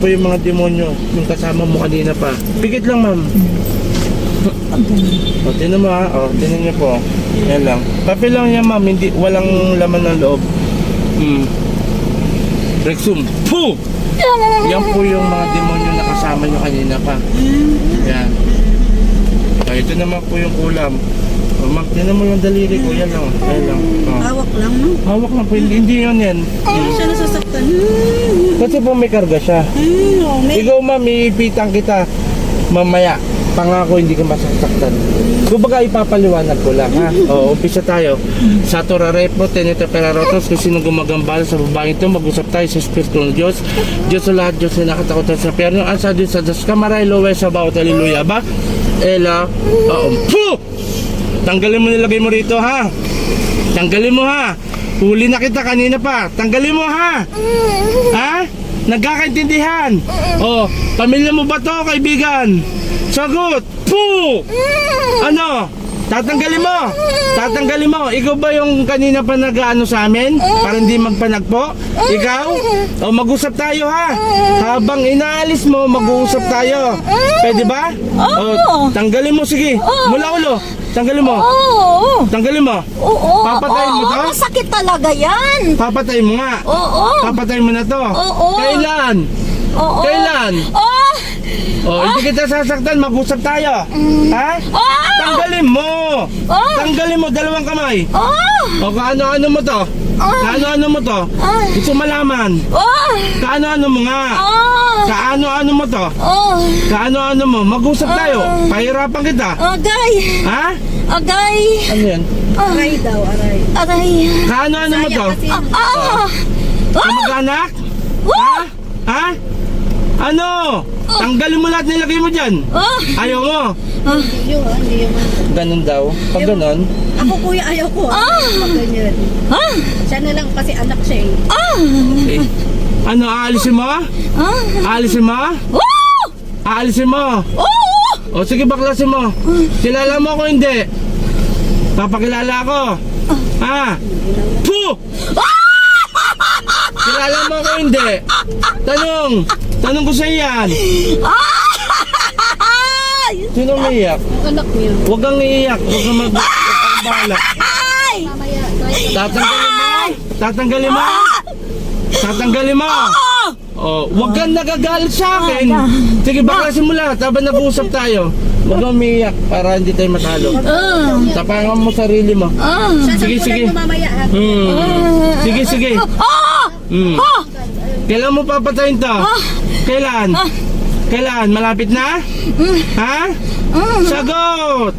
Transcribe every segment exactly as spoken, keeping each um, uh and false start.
po yung mga demonyo, yung kasama mo kanina pa. Pigit lang, ma'am. O, tinan mo ha. O, tinan niyo po. Yan lang. Papel lang yan, ma'am. Hindi, walang laman ng loob. Hmm. Rexum. Puh! Yan po yung mga demonyo na kasama nyo kanina pa. Yan. O, ito naman po yung ulam. O, ma'am, tinan mo yung daliri ko. Yan lang. Yan lang. O. Hawak lang, no? Hawak lang po. Hindi, hindi yun yan. Hindi siya nasasaktan. Kasi po may karga siya. Hmm, oh, may... Ikaw, ma'am, iipitan kita mamaya. Pangako hindi ka masasaktan. Kumbaga ipapaliwanag ko lang, ha? O, umpisa tayo. Sa Torarepo, Tenete Perarotos, kung sino gumagambala sa babaeng ito, mag-usap tayo sa Espiritu ng Diyos. Diyos sa lahat, Diyos na nakatakutan sa perno. Asa Diyos sa Diyos kamaray, lowe sa bawat haleluya ba? Ela, oo. Puh! Tanggalin mo nilagay mo rito, ha? Tanggalin mo, ha? Huli na kita kanina pa. Tanggalin mo, ha? Ha? Nagkakaintindihan? O, pamilya mo ba to, kaibigan? Sagot! Puh! Ano? Tatanggalin mo! Tatanggalin mo! Ikaw ba yung kanina pa nag-ano sa amin? Para hindi magpanagpo? Ikaw? O, mag-usap tayo, ha? Habang inaalis mo, mag-uusap tayo. Pwede ba? O, tanggalin mo, sige. Mula ulo. Tanggalin mo. Oo. Tanggalin mo. Oo. Papatayin mo to? Oo, masakit talaga yan. Papatayin mo nga. Oo. Papatayin mo na to. Oo. Kailan? Oo. Kailan? Oo. Oh, hindi kita sasaktan, mag-usap tayo. Ha? Oo. Tanggalin mo. Oo. Tanggalin mo dalawang kamay. Oo. O kaano-ano mo to? Kaano-ano mo to? Gusto malaman. Oo. Kaano-ano mo nga? Oo. Kaano-ano mo to? Oo. Kaano-ano mo? Mag-usap tayo. Pahirapan kita. Agay. Ha? Agay. Ano yan? Aray daw, aray. Aray. Kaano-ano mo to? Ah. Ah. Kamag-anak? Ha? Ha? Ano? Tanggalin mo lahat nilagay mo dyan. Ah. Ayaw mo? Ah. Hindi yun, hindi yun. Ganun daw. Pag ganun, Ako kuya, ayaw ko. Ah. Pag ganyan. Ah. Siya na lang kasi anak siya eh. Ah. eh. Ano, aalisin mo? Ah. Aalisin mo? Oo. Aalisin mo? Oo. O sige, baklasin mo. Kilala mo ako hindi? Papakilala ako. Ha? Puh! Kilala mo ako hindi? Tanong! Tanong ko sa iyan. Ay. Sino umiiyak? Anak niya. Huwag kang iiyak. Huwag kang mag... Huwag kang bahala. Ay. Mamaya, try Tatanggalin mo? Tatanggalin mo? Tatanggalin mo? Oh, huwag kang nagagalit sa akin. Sige, baklasin mo lahat habang nag-uusap tayo. Huwag kang umiiyak para hindi tayo matalo. Ah. Tapangan mo sarili mo. Ah. Sige, sige. mo mamaya ha. Hmm. Sige, sige. Ah. Hmm. Ah. Kailan mo papatayin to? Kailan? Kailan? Malapit na? Ha? Sagot!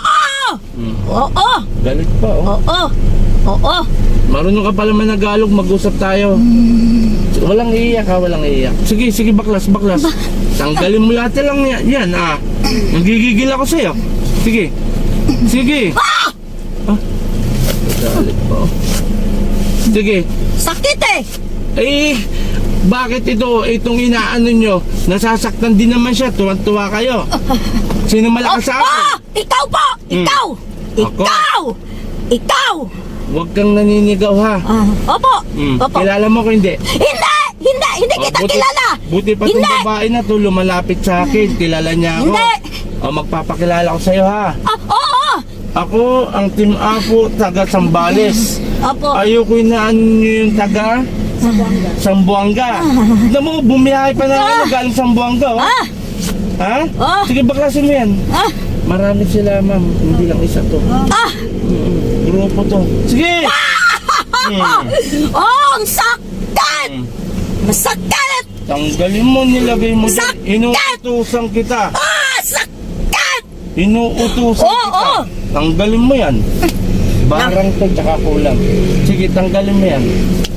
Oo. Galit pa, oh. Oo. Oo. Marunong ka pala managalog, mag-usap tayo. Walang iiyak ha, walang iiyak. Sige, sige, baklas, baklas. Tanggalin mo lahat lang yan, yan ah. Nagigigil ako sa'yo. Sige. Sige. Ah! Galit pa, oh. Sige. Sakit eh. Eh, bakit ito, itong inaano nyo? Nasasaktan din naman siya, tuwan-tuwa kayo. Sino malakas sa akin? Ah. Ikaw po. Hmm. Ikaw. Ako? Ikaw. Ikaw. Huwag kang naninigaw ha. Ah. Opo. Hmm. Opo. Kilala mo ko hindi? Hindi. Hindi. Hindi Oh, kita buti- kilala. Buti pa itong Hindi. babae na to lumalapit sa akin. Kilala niya ako. Hindi. O, magpapakilala ko sa'yo ha. Ah. Oo. Ako ang Team Apo, taga Sambales. Opo. Ayoko inaan nyo yung taga Sambuanga. Alam mo, bumiyahe pa na ano, galing Sambuanga, oh. Ah. Ha? Ah. Sige, baklasin mo yan. Ah. Marami sila, ma'am. Hindi lang isa to. Ah. Mm, grupo to. Sige! Hmm. Oh, ang sakit. Hmm. Masakit. Tanggalin mo, nilagay mo dyan. Sakit! Inuutusan kita. Ah, sakit. Inuutusan Oo, kita. oo. Tanggalin mo yan. Barang to, tsaka kulang. Sige, tanggalin mo yan.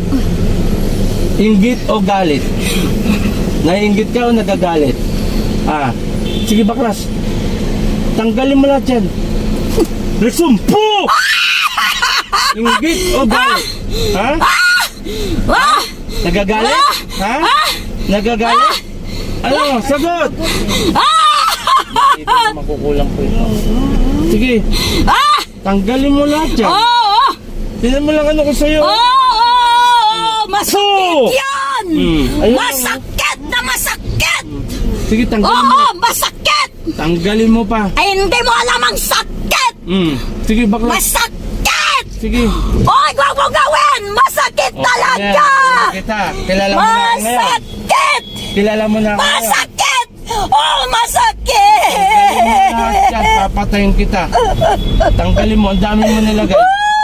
Inggit o galit? Naiinggit ka o nagagalit? Ah, sige baklas. Tanggalin mo lahat yan. Resumpo! Inggit o galit? Ha? Ah. Nagagalit? Ha? Nagagalit? Ano? Sagot! Ito makukulang po ito. Sige, Ah. tanggalin mo lahat yan. Oo. Tignan mo lang ano ko sa'yo. Oo. Masakit So! yan. Hmm. Ayun. Masakit na masakit. Sige, tanggalin mo. Oo, masakit! Tanggalin mo pa. Ay, hindi mo alam ang sakit! Mm. Sige, bakla. Masakit! Sige. Oy, wag mo gawin! Masakit Oh, talaga! ayan, kita. Kilala mo na ako ngayon. Masakit! Kilala mo na ako ngayon. Masakit! Oh, masakit! Lahat yan, papatayin kita. Tanggalin mo, ang dami mo nilagay.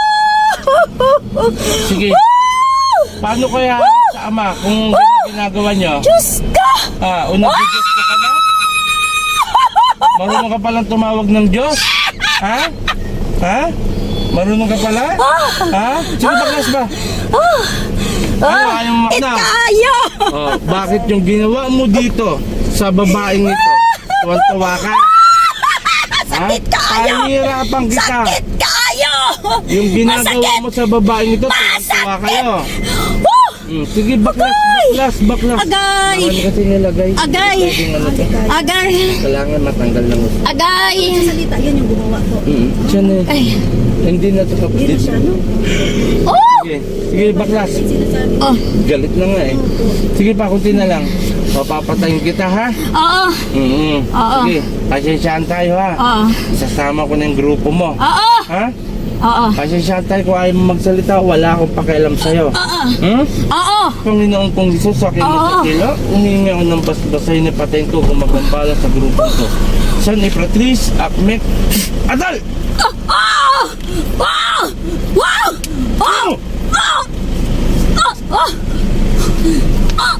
Sige. Paano kaya sa ama kung ganyan ginagawa nyo? Diyos ka! Ah, unang Diyos ka ka na? Marunong ka palang tumawag ng Diyos? Ha? Ha? Marunong ka pala? Ha? Sino baklas ba? Ano, ayaw mo na? Ikayo! Oh, bakit yung ginawa mo dito sa babaeng ito? Tuwan-tuwa ka? Sakit kayo! Pahirapan kita. Sakit kayo! Yung ginagawa Masakit! mo sa babaeng ito, tuwan-tuwa kayo. Woo! Hmm, sige, baklas, baklas, baklas. Agay! Marami kasi nilagay. Agay! Pwedeng ano to. Agay! Kailangan matanggal lang gusto. Agay! Sa salita, yan yung gumawa ko. Hmm, siya na. Ay! Hindi na ito Hindi na kapatid. siya, no? Oh! Sige, sige, baklas. Sinasabi ko. Oh! Galit na nga eh. Sige pa, kunti na lang. Papapatayin kita ha. Oo! Mm-hmm. Oo. Sige, pasensyahan tayo ha. Oo! Isasama ko na yung grupo mo. Oo! Ha? Oo! Pasensyahan tayo kung ayaw mo magsalita, wala akong pakialam sa'yo. Oo! Hmm? Oo! Panginoon kong Jesus, sa akin mo Oo. sa kila, umingi ako ng basbasahin na patayin ko kung magambala sa grupo ko. San Ifratris, Akmek, Adal! Oh! Wow! Wow! Wow! Oh! Oh! Oh! Oh!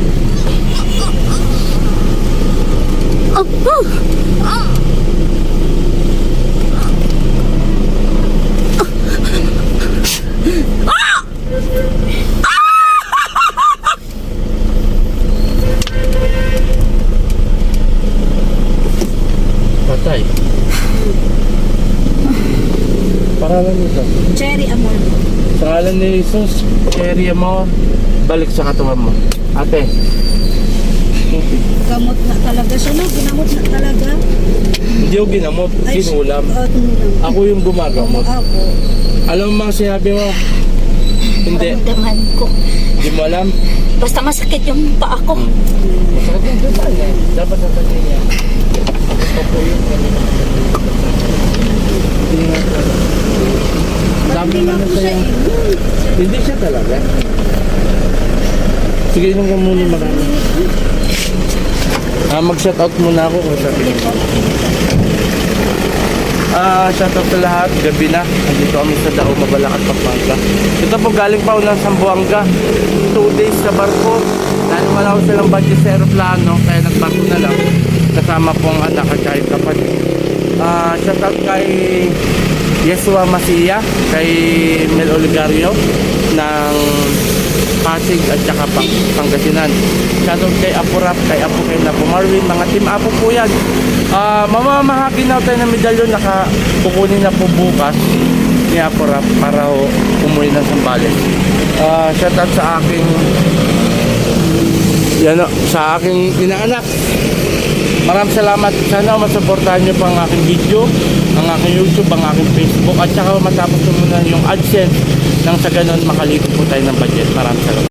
Oh! Oh! Patay. Paralan nito. Cherry Amor. Sa ngalan ni Jesus, cherry mo, balik sa katawan mo. Ate. Gamot na talaga siya, no? Ginamot na talaga. Hindi ko ginamot, ginulam. Oo, tinulam. Ako yung gumagamot. Ako. Alam mo mga sinabi mo? Hindi. Ramdaman ko. Hindi mo alam? Basta masakit yung paa ko. Masakit yung diba niya? Dapat sa kanya niya. Ako po yung kanina. Hindi nga po. Dami Hindi nga naman po siya sa'yo. eh. Hindi siya talaga. Sige, inom ka muna marami. Ah, mag-shout out muna ako kung sabi niyo. Ah, shout out sa lahat. Gabi na. Andito kami sa Dao, Mabalacat, Pampanga. Ito po galing pa unang Sambuanga. Two days sa barko. Dahil wala ko silang budget sa aeroplano, kaya nagbarko na lang. Kasama po ang anak at kahit kapatid. Ah, shout out kay Yesua Masia, kay Mel Oligario ng Pasig at saka Pang Pangasinan. Shoutout kay Apo Rap, kay Apo kay Napo Marvin, mga team Apo po yan. Ah, mamamahagi na tayo ng medalyon, naka kukunin na po bukas ni Apo Rap para ho umuwi ng Sambales. Ah, shoutout sa aking yan o, sa aking inaanak. Maraming salamat. Sana masuportahan nyo pa ang aking video, ang aking YouTube, ang aking Facebook, at saka matapos ko muna yung AdSense nang sa ganun makalito po tayo ng budget. Maraming salamat.